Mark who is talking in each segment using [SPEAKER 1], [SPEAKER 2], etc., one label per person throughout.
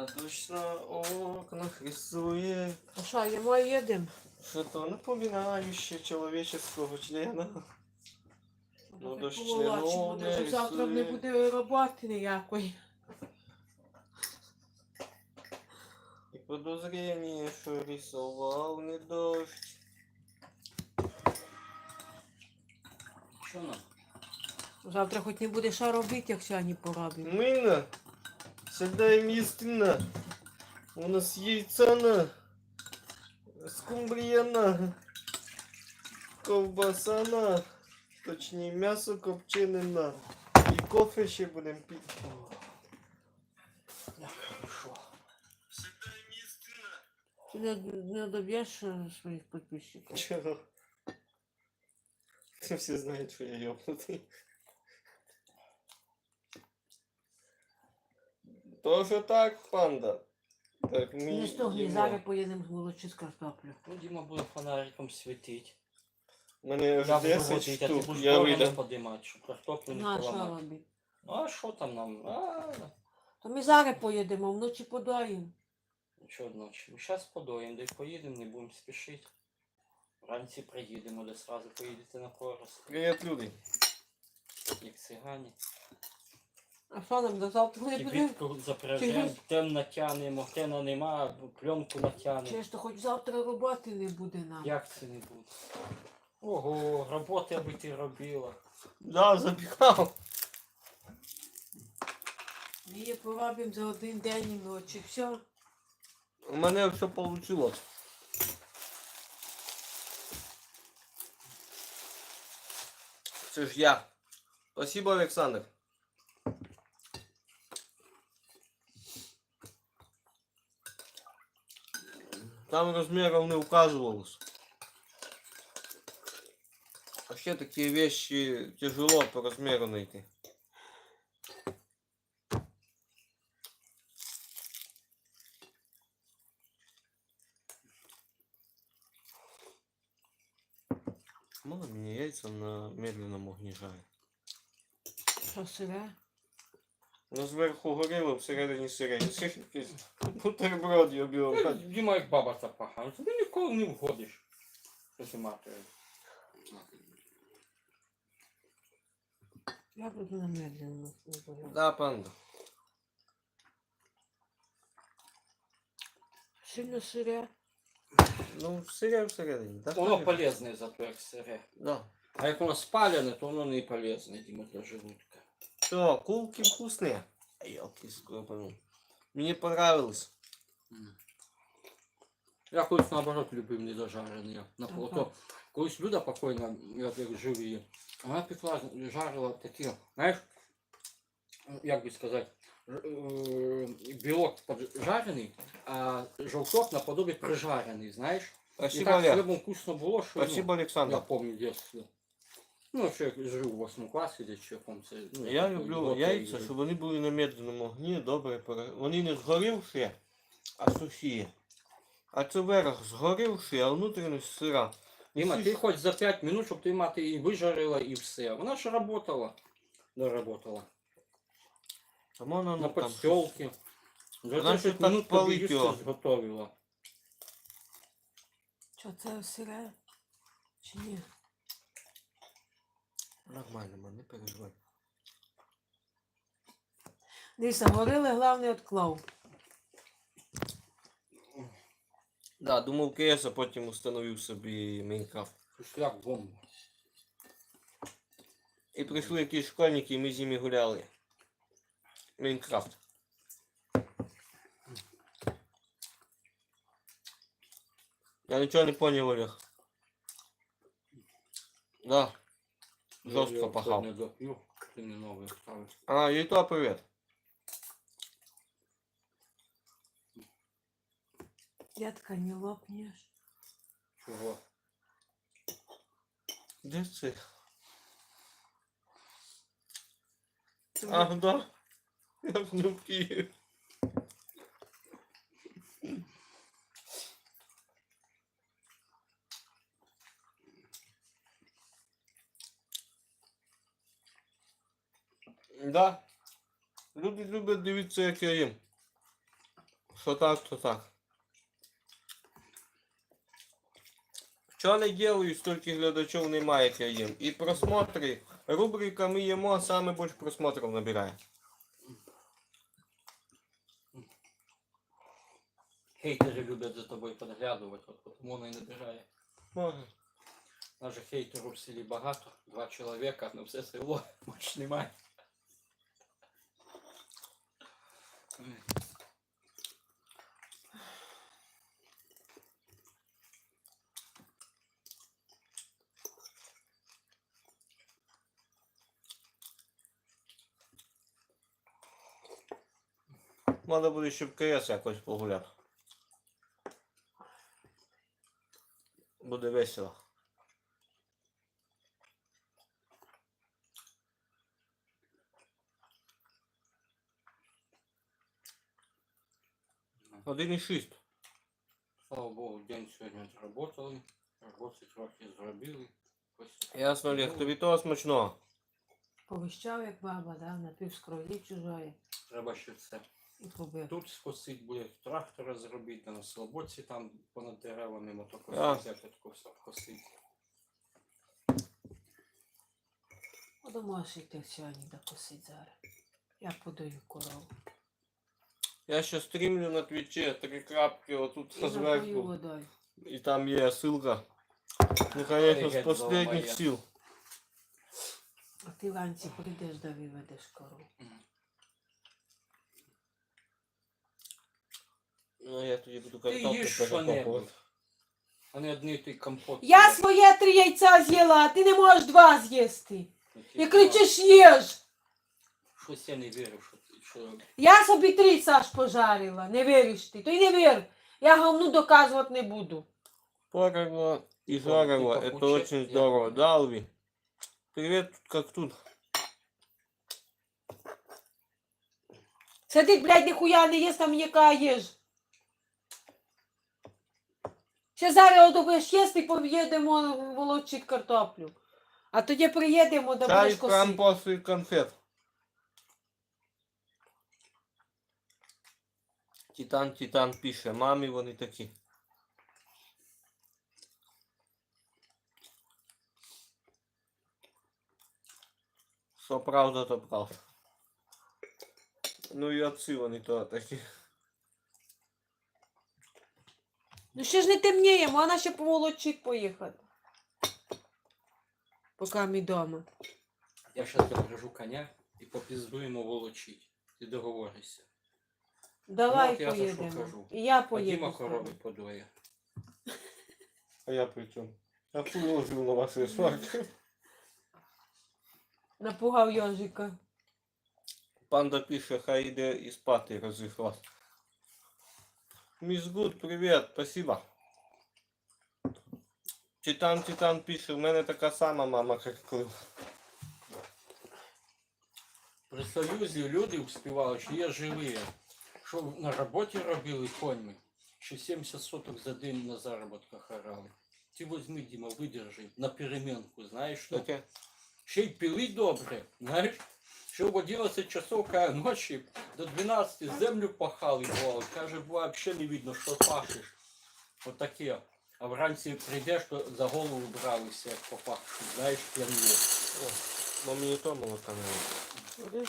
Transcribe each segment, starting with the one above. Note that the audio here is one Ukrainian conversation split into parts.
[SPEAKER 1] А дощ на окнах рисує
[SPEAKER 2] А що, їмо і їдемо?
[SPEAKER 1] что-то напоминающее человеческого члена. Ну,
[SPEAKER 2] Так
[SPEAKER 1] дощ
[SPEAKER 2] поволочимо,
[SPEAKER 1] членов не
[SPEAKER 2] навіть завтра не
[SPEAKER 1] рисує.
[SPEAKER 2] буде роботи ніякої.
[SPEAKER 1] И подозрение, что рисовал не дождь.
[SPEAKER 3] Що нам?
[SPEAKER 2] Завтра хоч не буде що робити, як сьогодні поробимо.
[SPEAKER 1] Мы всегда им истинно. У нас яйца на, скумбрия на, ковбаса на, точнее мясо копчене на. И кофе ще будем пить.
[SPEAKER 3] Як хорошо.
[SPEAKER 1] Всегда им истинно.
[SPEAKER 2] Ти не доб'єш своїх підписчиків?
[SPEAKER 1] Чего? Все знают, что я ёбнутый. Тоже так, панда. Так,
[SPEAKER 2] Не стогні,
[SPEAKER 1] їмо.
[SPEAKER 2] зараз поїдемо з молочі з картоплю.
[SPEAKER 3] Ну, Діма буде фонариком світити.
[SPEAKER 1] У мене
[SPEAKER 3] Я
[SPEAKER 1] аж
[SPEAKER 3] буду
[SPEAKER 1] 10
[SPEAKER 3] водити, а ти
[SPEAKER 1] штук,
[SPEAKER 3] будеш
[SPEAKER 1] я
[SPEAKER 3] голову
[SPEAKER 1] вийду.
[SPEAKER 3] подимати, щоб картоплю не
[SPEAKER 2] На, що
[SPEAKER 3] поламати.
[SPEAKER 2] робити?
[SPEAKER 3] Ну, а що там нам?
[SPEAKER 2] То ми зараз поїдемо, вночі подоїмо.
[SPEAKER 3] Що ночі? Зараз подоїмо, де поїдемо, не будемо спішити. Вранці приїдемо, де сразу поїдете на Корос.
[SPEAKER 1] Привіт, люди.
[SPEAKER 3] Як цигані.
[SPEAKER 2] А що нам до завтра не буде?
[SPEAKER 3] Кибітку запряжемо, тем натягнемо, тена нема, пленку натягнемо.
[SPEAKER 2] Чи ж то хоч завтра роботи не буде нам?
[SPEAKER 3] Як це не буде? Ого, роботи аби ти робила.
[SPEAKER 1] Да, запіхав.
[SPEAKER 2] Ми її поробимо за один день і ночі. Все.
[SPEAKER 1] У мене все вийшло. Це ж я. Спасибо, Олександр. Там размеров не указывалось. Вообще такие вещи тяжело по размеру найти. Мало мне яйца на медленном огне жарить.
[SPEAKER 2] Що сире?
[SPEAKER 1] Ну, зверху горіло, всередині сирені. Це якийсь бутерброд я бігав.
[SPEAKER 3] Діма як баба запаха. Тобі ніколи не вгодиш. Що ти матері?
[SPEAKER 2] Я буду на медленно.
[SPEAKER 1] Да, панда.
[SPEAKER 2] Сильно сире.
[SPEAKER 1] Ну, сире всередині, так?
[SPEAKER 3] Воно полезне зато як сире.
[SPEAKER 1] Да.
[SPEAKER 3] А як воно спалене, то воно не полезне, Діма, для желудка.
[SPEAKER 1] Все, кулки вкусные. Елки скропану. Мне понравилось.
[SPEAKER 3] Я колись наоборот любив недожарені.
[SPEAKER 2] Ага.
[SPEAKER 3] Ото колись Люда покойна, я як жив її, вона пекла, жарила такі, знаєш, як би сказати, білок поджарений, а жовток наподобие прижарений, знаєш. І
[SPEAKER 1] Спасибо,
[SPEAKER 3] так
[SPEAKER 1] Олег.
[SPEAKER 3] хлібом вкусно було, що
[SPEAKER 1] Спасибо,
[SPEAKER 3] я
[SPEAKER 1] Александр.
[SPEAKER 3] пам'ятаю дитинство. Ну, що я жив у 8 класі, десь чи якому це. Ну,
[SPEAKER 1] Я
[SPEAKER 3] такий
[SPEAKER 1] люблю
[SPEAKER 3] готовий
[SPEAKER 1] яйця,
[SPEAKER 3] жив.
[SPEAKER 1] щоб вони були на медленному огні, добре Вони не згорівші, а сухі. А це верх згорівший, а внутрішність сира.
[SPEAKER 3] Діма,
[SPEAKER 1] Всі
[SPEAKER 3] ти
[SPEAKER 1] ж-
[SPEAKER 3] хоч за 5 минут, щоб ти мати і вижарила, і все. Вона ж работала. Доработала.
[SPEAKER 1] А можна,
[SPEAKER 3] На
[SPEAKER 1] ну, там,
[SPEAKER 3] подстілки. За
[SPEAKER 1] Вона ще
[SPEAKER 3] 10
[SPEAKER 1] так
[SPEAKER 3] минут тобі
[SPEAKER 1] палить
[SPEAKER 3] їсти
[SPEAKER 1] його.
[SPEAKER 3] зготовила.
[SPEAKER 2] Що це сире? Чи ні?
[SPEAKER 1] Нормально, man, не переживай.
[SPEAKER 2] Дивися, горили, головне відклав.
[SPEAKER 1] Да, думав КС, а потім установив собі Майнкрафт.
[SPEAKER 3] Шляк бомба.
[SPEAKER 1] І прийшли якісь школьники, і ми з ними гуляли. Майнкрафт. Я нічого не поняв, Олег. Да. Жорстко пахав.
[SPEAKER 3] Не доп'ю, ти не новий ставиш.
[SPEAKER 1] А, і то привіт.
[SPEAKER 2] Дядка, не лопнеш.
[SPEAKER 3] Чого?
[SPEAKER 1] Де це? А, да. Я в Києві. Да. Люди люблять дивитися, як я їм. Що так, то так. Що не делаю, стільки глядачів немає, як я їм. І просмотри. Рубрика «Ми їмо» саме більше просмотрів набирає.
[SPEAKER 3] Хейтери люблять за тобою підглядувати, от тому воно і набирає.
[SPEAKER 1] Може.
[SPEAKER 3] Нас же хейтерів в селі багато, 2 чоловіка, на все село, більше немає.
[SPEAKER 1] Треба буде ще в КС якось погуляти. Буде весело. Один і 6.
[SPEAKER 3] Слава Богу, день сьогодні зробили, роботи трохи зробили.
[SPEAKER 1] Ясно, Олег, тобі того смачного.
[SPEAKER 2] Повищав, як баба, да? Напів з крові чужої.
[SPEAKER 3] Треба ще все.
[SPEAKER 2] І побив.
[SPEAKER 3] Тут скосить буде трактора зробити, на слободці там понад деревами
[SPEAKER 1] А.
[SPEAKER 3] мотокосить, тако все косить.
[SPEAKER 2] Думаєш, йти сьогодні докосить зараз. Я подаю корову.
[SPEAKER 1] Я ще стрімлю на твічі, 3 крапки отут
[SPEAKER 2] І напою
[SPEAKER 1] зверху.
[SPEAKER 2] водою.
[SPEAKER 1] І там є ссылка. Ну, конечно, з
[SPEAKER 3] Привіт,
[SPEAKER 1] последніх
[SPEAKER 3] Золомая.
[SPEAKER 1] сил.
[SPEAKER 2] А ти вранці прийдеш да виведеш корову.
[SPEAKER 1] Ну, я тоді буду
[SPEAKER 3] Ти
[SPEAKER 1] картоплю
[SPEAKER 3] їж
[SPEAKER 1] перекопувати.
[SPEAKER 3] що-небудь. А не одні той компот.
[SPEAKER 2] Я своє 3 яйця з'їла, а ти не можеш 2 з'їсти. І кричиш їж.
[SPEAKER 3] Щось я не вірю, що...
[SPEAKER 2] Я собі 3, Саш, пожарила. Не віриш ти. То й не вір. Я говну доказувати не буду.
[SPEAKER 1] Порого и
[SPEAKER 3] Ты
[SPEAKER 1] жарого,
[SPEAKER 3] пахуче,
[SPEAKER 1] это очень
[SPEAKER 3] я
[SPEAKER 1] здорово.
[SPEAKER 3] понял.
[SPEAKER 1] Да, Алви? Привет, тут как тут.
[SPEAKER 2] Сидить, блядь, ніхуя не їсть, там яка їж. Ще зараз будеш їсти і поїдемо волочити картоплю. А тоді приїдемо, да
[SPEAKER 1] Чай
[SPEAKER 2] будеш
[SPEAKER 1] прям
[SPEAKER 2] косити.
[SPEAKER 1] после конфет. Титан пише, мамі вони такі. Що правда, то правда. Ну і отці вони то такі.
[SPEAKER 2] Ну ще ж не темніє, вона ще поволочить поїхати. Поки ми вдома.
[SPEAKER 3] Я зараз запряжу коня і попіздуємо волочить. Ти договоришся.
[SPEAKER 2] Давай
[SPEAKER 3] от я за що
[SPEAKER 2] поїдемо.
[SPEAKER 3] кажу.
[SPEAKER 2] І я
[SPEAKER 3] А
[SPEAKER 2] поїду.
[SPEAKER 3] Діма
[SPEAKER 2] з тобою.
[SPEAKER 3] корови подоє.
[SPEAKER 1] А я при чому? Я положив на ваші сварки.
[SPEAKER 2] Напугав йожика.
[SPEAKER 1] Панда пише, хай йде і спати розійшлась. Мисс Гуд, привіт, спасибо. Титан пише, в мене така сама мама, як Клим.
[SPEAKER 3] При Союзі люди успівали, що є живі. Що на роботі робили коньми. Ще 70 соток за день на заробітках орали. Ти возьми, Діма, видержи на перемінку, знаєш що?
[SPEAKER 1] Таке.
[SPEAKER 3] Ще й пили добре, знаєш? Ще в 11 часов ночі до 12 землю пахали, бувало. Каже, буває, взагалі не видно, що пашеш. Отаке. А вранці прийдеш, то за голову бралися, як попахши. Знаєш, п'яні.
[SPEAKER 1] Бо мені то молока не
[SPEAKER 2] Будеш?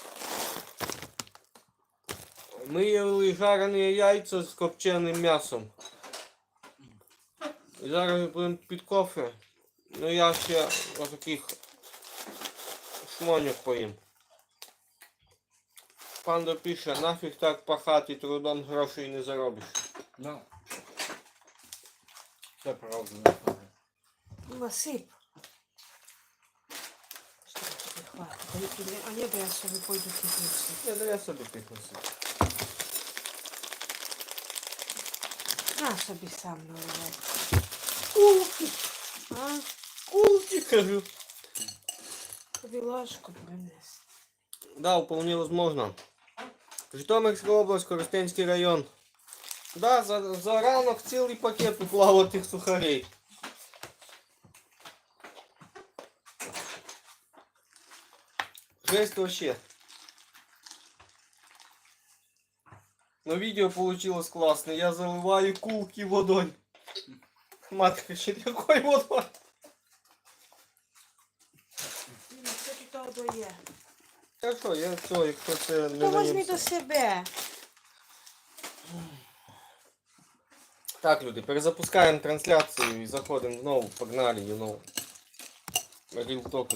[SPEAKER 1] Ми їли жарені яйця з копченим м'ясом. І зараз будемо під кофе. Ну я ще отаких шмоньок поїм. Панда пише, нафіг так пахати, трудом грошей не заробиш.
[SPEAKER 3] Ну. Це правда, не правда.
[SPEAKER 2] Насип. Що тобі хватить? А ні, бо я собі пойду кипнуся.
[SPEAKER 1] Я собі піднесу.
[SPEAKER 2] На собі сам наливай.
[SPEAKER 1] Кулки,
[SPEAKER 2] А?
[SPEAKER 1] кулки, кажу.
[SPEAKER 2] Тобі ложку принес.
[SPEAKER 1] Да, вполне возможно. Житомирська область, Коростенський район. Да, за ранок цілий пакет уклало тих сухарей. Жесть вообще. Но видео получилось классное. Я заливаю кулки водой. Мать кричит, какой водой?
[SPEAKER 2] Що тут того є?
[SPEAKER 1] Хорошо, я все, якщо це не
[SPEAKER 2] То возьми
[SPEAKER 1] наїмся.
[SPEAKER 2] до себе.
[SPEAKER 1] Так, люди, перезапускаємо трансляцію і заходимо знову. Погнали, you know. Real talk.